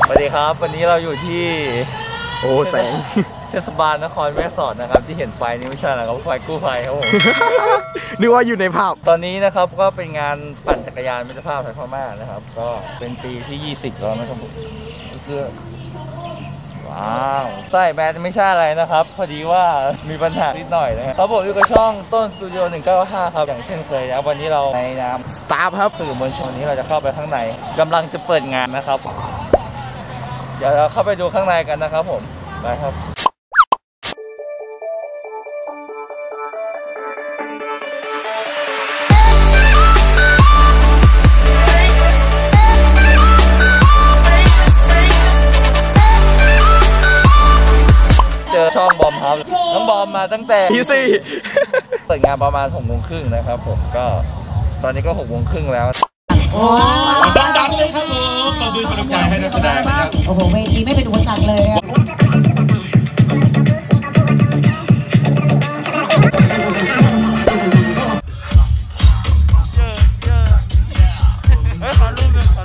สวัสดีครับวันนี้เราอยู่ที่แสงเทศบาลนครแม่สอดนะครับที่เห็นไฟนี้ไม่ใช่นะครับไฟกู้ภัยครับผมนึกว่าอยู่ในภาพตอนนี้นะครับก็เป็นงานปั่นจักรยานมิตรภาพไทยพม่านะครับก็เป็นปีที่20แล้วนะครับผมเสื้อว้าวใช่แบรนด์ไม่ใช่อะไรนะครับพอดีว่ามีปัญหานิดหน่อยนะครับผมอยู่กับช่องต้นสตูดิโอ195ครับอย่างเช่นเคยนะวันนี้เราในนามสตาฟครับสื่อมวลชนนี้เราจะเข้าไปข้างในกำลังจะเปิดงานนะครับเดี๋ยวเราเข้าไปดูข้างในกันนะครับผมไปครับเจอช่องบอมครับน้องบอมมาตั้งแต่เปิดงานประมาณ6:30นะครับผมก็ตอนนี้ก็6:30แล้วดังๆเลยครับผมขอบคุณกำลังใจให้นักแสดงนะครับโอ้โหเวทีไม่เป็นอุปสรรคเลยขอรูปหนึ่ง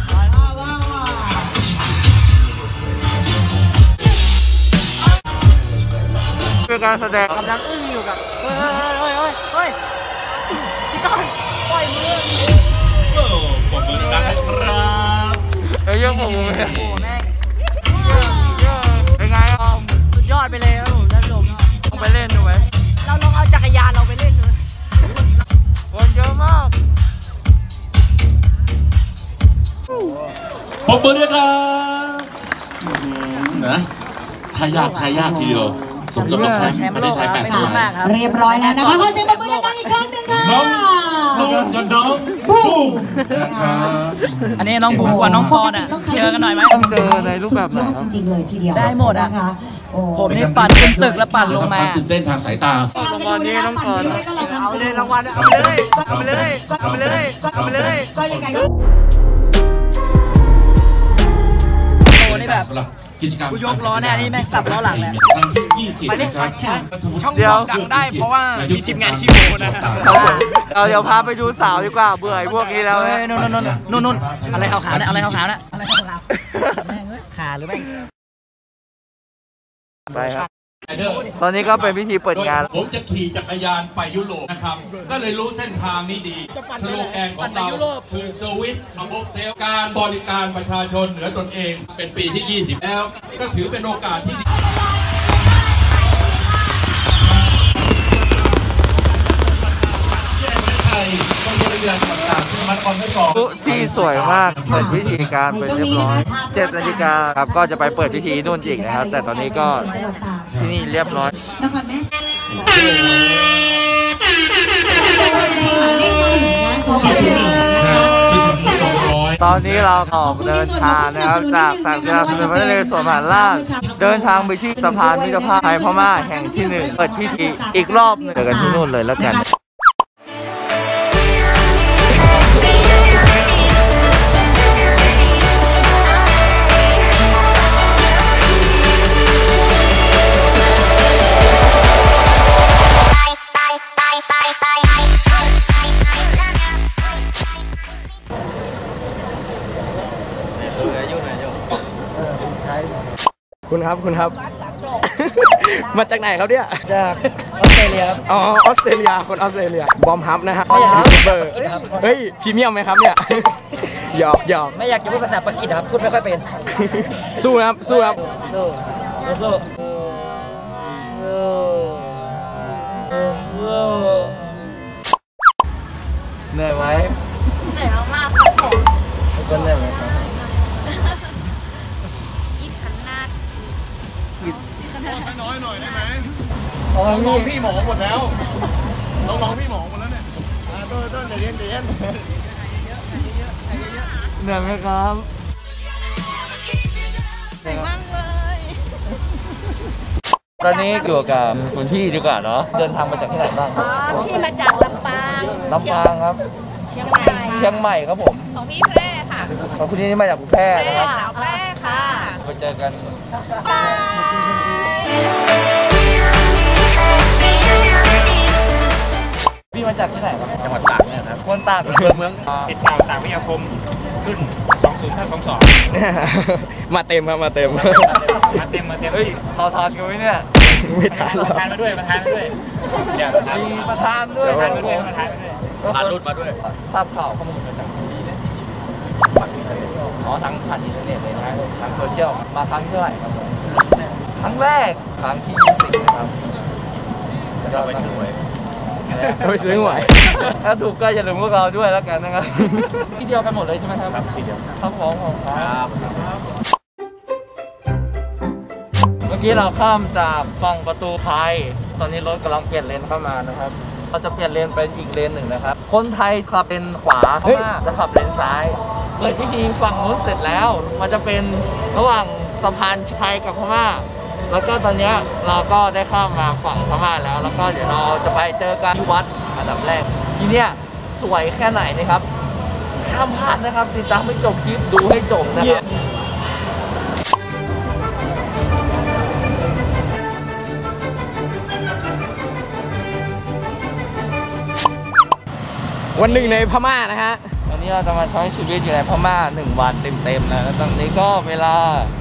เป็นการแสดงกำลังอึ้งอยู่กับเฮ้ยพี่ก้อนปล่อยมือปรบมือดังๆนะครับเยอะผมเลยโอ้แม่งเป็นไงออมสุดยอดไปเลยครับผมท่านผู้ชมลองไปเล่นดูไหมเราลองเอาจักรยานเราไปเล่นดูคนเยอะมากปรบมือด้วยครับนะทายากทีเดียวสมกับเป็นแชมป์ประเทศไทย8 สมัยเรียบร้อยแล้วนะคะขอเสียงปรบมือดังๆอีกครั้งหนึ่งค่ะน้องบูอันนี้น้องบูกับน้องปอนอ่ะเจอกันหน่อยไหมต้องเจอในรูปแบบไหนจริงๆเลยทีเดียวได้หมดอ่ะผมนี่ปั่นขึ้นตึกแล้วปั่นลงมาตื่นเต้นทางสายตารางวัลนี้น้องก่อนเอาเลยรางวัลเอาไปเลยก็ยังไงก็โอ้นี่แบบกิจกรรมกูยกล้อแน่นี่แม่งสับล้อหลังเลยครั้งที่20นะครับช่องดังได้เพราะว่ามีทีมงานคิวนะครับเดี๋ยวพาไปดูสาวดีกว่าเบื่อพวกนี้แล้วนู่นอะไรขาวๆเนี่ยอะไรขาวๆเนี่ยอะไรขาวๆแม่งขาหรือแม่งไปครับตอนนี้ก็เป็นพิธีเปิดงานผมจะขี่จักรยานไปยุโรปนะครับก็เลยรู้เส้นทางนี้ดีสโลแกนของเราคือ Service Above Self การบริการประชาชนเหนือตนเองเป็นปีที่20แล้วก็ถือเป็นโอกาสที่ดีที่สวยมากเปิดพิธีการไปเรียบร้อย7 นาฬิกาครับก็จะไปเปิดพิธีนู่นอีกนะครับแต่ตอนนี้ก็ที่นี่เรียบร้อยนครแม่ตอนนี้เราออกเดินทางนะครับจากสนามกีฬาสมเด็จพระนเรศวรมหาราชเดินทางไปที่สะพานมิตรภาพไทยพม่าแห่งที่1เปิดพิธีอีกรอบนึงเจอกันที่นู่นเลยแล้วกันคุณครับมาจากไหนครับเนี่ยจากออสเตรเลียครับออสเตรเลียคนออสเตรเลียบอมฮับนะครับเบอร์เฮ้ยพรีเมียมไหมครับเนี่ยหยอกไม่อยากจะพูดภาษาปากีสถานครับพูดไม่ค่อยเป็นสู้ครับเหนื่อยไหมเหนื่อยมากๆครับผมก็เหนื่อยไหมครับน้อยหน่อยได้ไหมน้องพี่หมอหมดแล้วน้องพี่หมอหมดแล้วเนี่ยต้นเดี๋ยวเย็นเหนื่อยไหมครับเหนื่อยมากเลยตอนนี้อยู่กับคุณพี่ดีกว่าเนาะเดินทางมาจากที่ไหนบ้างพี่มาจากลำปางครับเชียงใหม่ครับผมของพี่แพร่ค่ะของคุณนี่มาจากแพร่นะครับสาวแพร่ค่ะมาเจอกันพี่มาจากที่ไหนครับจังหวัดตากเนี่ยครับคนตากอำเภอเมืองศิษย์เก่าตากวิทยาคมรุ่น20522 มาเต็มครับมาเต็มมาเต็มเฮ้ยเราทานกันไหมเนี่ยไม่ทานหรอกทานมาด้วยเดี๋ยวมีประธานด้วยทานมาด้วยทานรุ่นมาด้วยทราบข่าวข้อมูลมาจากที่เนี่ยทั้งผ่านอินเทอร์เน็ตเลยนะทางโซเชียลมาครั้งเท่าไหร่ครับครั้งแรกครั้งที่20นะครับเราไปซื้อหวยไปซื้อหวยถ้าถูกก็อย่าลืมพวกเราด้วยแล้วกันนะครับที่เดียวกันหมดเลยใช่ไหมครับที่เดียวครับผมครับเมื่อกี้เราข้ามจากฝั่งประตูไทยตอนนี้รถกำลังเปลี่ยนเลนเข้ามานะครับเราจะเปลี่ยนเลนเป็นอีกเลนหนึ่งนะครับคนไทยขับเลนขวาพม่าจะขับเลนซ้ายเลยพิธีฝั่งนู้นเสร็จแล้วมันจะเป็นระหว่างสะพานไทยกับพม่าแล้วก็ตอนนี้เราก็ได้ข้ามมาฝั่งพม่าแล้วก็เดี๋ยวเราจะไปเจอกันที่วัดอันดับแรกที่เนี้ยสวยแค่ไหนนะครับห้ามพลาดนะครับติดตามให้จบคลิปดูให้จบนะครับวันหนึ่งในพม่านะฮะวันนี้เราจะมาใช้ชีวิตอยู่ในพม่า1 วันเต็มๆนะแล้วตอนนี้ก็เวลา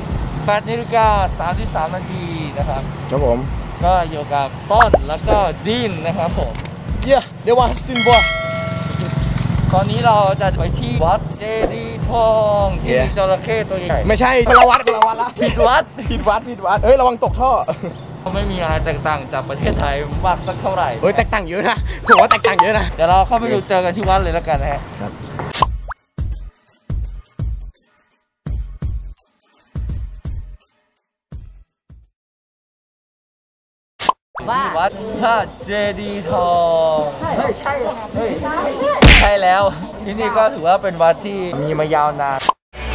8:33 นาทีนะครับครับผมก็อยู่กับต้นแล้วก็ดินนะครับผมเดี๋ยวว่าสตินบัวตอนนี้เราจะไปที่วัดเจดีย์ทองที่มีจระเข้ตัวใหญ่ไม่ใช่คนละวัดละผิดวัดเฮ้ยระวังตกท่อไม่มีอะไรแตกต่างจากประเทศไทยมากสักเท่าไหร่เฮ้ยแตกต่างเยอะนะผมว่าแตกต่างเยอะนะเดี๋ยวเราเข้าไปดูเจอกันที่วัดเลยแล้วกันนะฮะวัดพระเจดีย์ทองใช่แล้วที่นี่ก็ถือว่าเป็นวัดที่มีมายาวนาน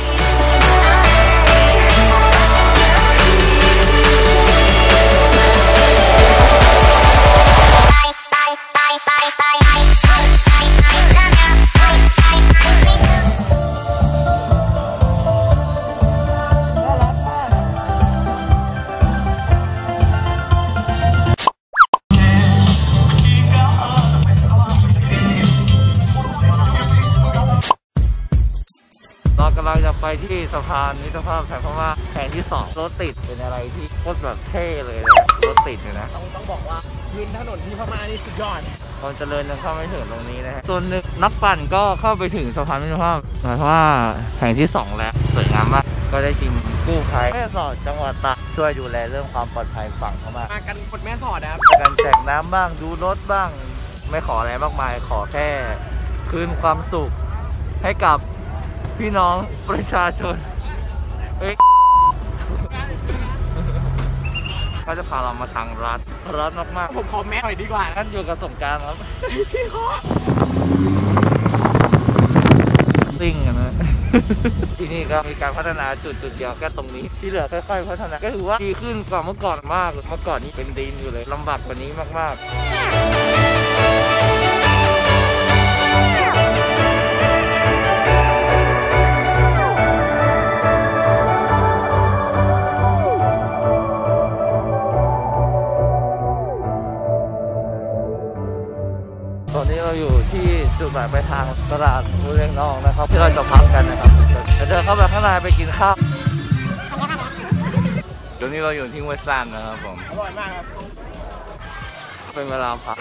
เราจะไปที่สะพานมิตรภาพไทยพม่าแห่งที่2รถติดเป็นอะไรที่โคตรแบบเท่เลยนะรถติดเนี่ยนะต้องบอกว่าพื้นถนนที่พม่านี่สุดยอดความเจริญยังเข้าไม่ถึงตรงนี้นะฮะส่วนหนึ่งนักปั่นก็เข้าไปถึงสะพานมิตรภาพหมายความว่าแห่งที่2แล้วสวยงามมากก็ได้ทีมกู้ภัยแม่สอดจังหวัดตากช่วยดูแลเรื่องความปลอดภัยฝั่งพม่ามากันกดแม่สอดนะครับการแจกน้ำบ้างดูรถบ้างไม่ขออะไรมากมายขอแค่คืนความสุขให้กับพี่น้องประชาชนก็จะพาเรามาทางรัฐมากๆผมขอแม่หน่อยดีกว่างั้นอยู่กับสงกรานต์ครับพี่ขอซิ่งกันนะที่นี่ก็มีการพัฒนาจุดเดียวแค่ตรงนี้ที่เหลือค่อยๆพัฒนาก็ถือว่าดีขึ้นกว่าเมื่อก่อนมากเมื่อก่อนนี้เป็นดินอยู่เลยลำบากกว่านี้มากๆตอนนี้เราอยู่ที่จุดหมายปลายทางตลาดมูเรียงนองนะครับที่เราจะพักกันนะครับเดินเข้าไปข้างในไปกินข้าวตอนนี้เราอยู่ที่ห้วยซ่านนะครับผมอร่อยมากครับเป็นเวลาพัก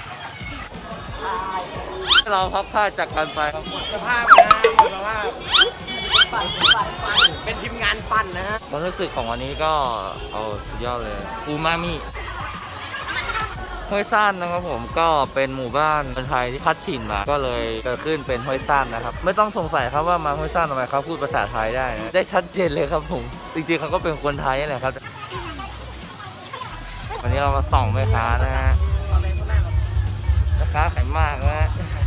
เราพักผ้าจากกันไปสภาพนะสภาพเป็นทีมงานปั่นนะฮะความรู้สึกของวันนี้ก็เอาสุดยอดเลยอูมามิห้วยซ่านนะครับผมก็เป็นหมู่บ้านคนไทยที่พัดถิ่นมาก็เลยเกิดขึ้นเป็นห้วยซ่านนะครับไม่ต้องสงสัยครับว่ามาห้วยซ่านทำไมเขาพูดภาษาไทยได้นะได้ชัดเจนเลยครับผมจริงๆเขาก็เป็นคนไทยนี่แหละครับวันนี้เรามาส่องแม่ค้านะฮะแม่ค้าขายมากนะ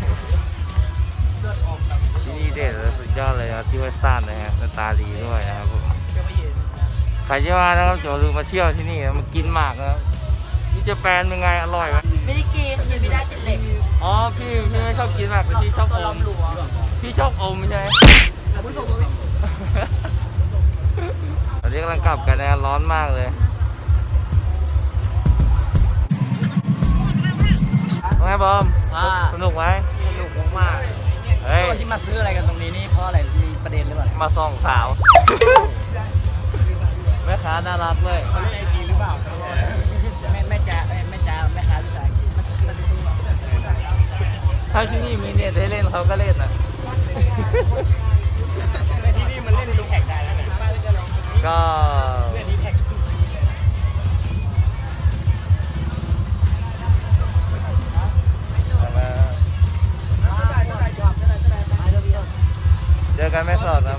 ที่นี่เด็ดและสุดยอดเลยนะที่ห้วยซ่านนะฮะหน้าตาดีด้วยนะครับผมใครจะมานะครับอย่าลืมมาเที่ยวที่นี่มากินหมากนะนี่จะแปนเป็นไงอร่อยไหมไม่ได้กินไม่ได้กินเหล็กอ๋อพี่ไม่ชอบกินหมากแต่พี่ชอบอมพี่ชอบอมใช่ไหมตอนนี้กำลังกลับกันนะร้อนมากเลยไงบอมสนุกไหมสนุกมากเฮ้ยที่มาซื้ออะไรกันตรงนี้นี่เพราะอะไรมีประเด็นหรือเปล่ามาส่องสาว แม่ค้าน่ารักเลยเขาเล่นไอจีหรือเปล่าแม่จ้าแม่ค้าหรือเปล่าถ้าที่นี่มีเน็ตให้เล่นเขาก็เล่นนะที่นี่มันเล่นในดูแท็กได้แล้วเนี่ยก็เล่นที่แท็กเจอกันแม่สอดครับ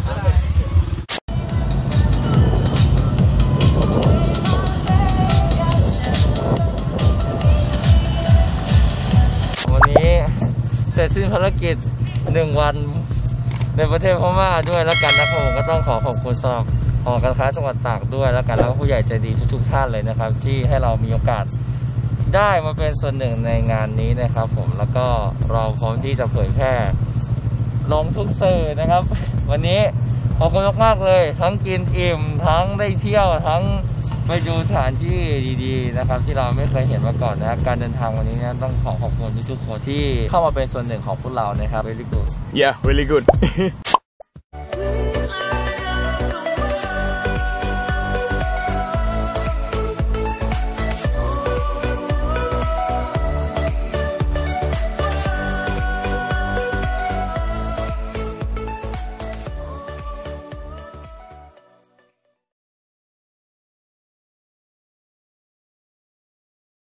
วันนี้เสร็จสิ้นภารกิจ1 วันในประเทศพม่าด้วยแล้วกันนะครับผมก็ต้องขอบคุณสำหรับหอการค้าจังหวัดตากด้วยแล้วกันแล้วก็ผู้ใหญ่ใจดีทุกท่านเลยนะครับที่ให้เรามีโอกาสได้มาเป็นส่วนหนึ่งในงานนี้นะครับผมแล้วก็เราพร้อมที่จะเผยแพร่ลงทุกสื่อนะครับวันนี้ขอบคุณมากๆเลยทั้งกินอิ่มทั้งได้เที่ยวทั้งไปดูสถานที่ดีๆนะครับที่เราไม่เคยเห็นมาก่อนนะครับการเดินทางวันนี้นะต้องขอบคุณทุกคนที่เข้ามาเป็นส่วนหนึ่งของพวกเรานะครับ very good Yeah, really good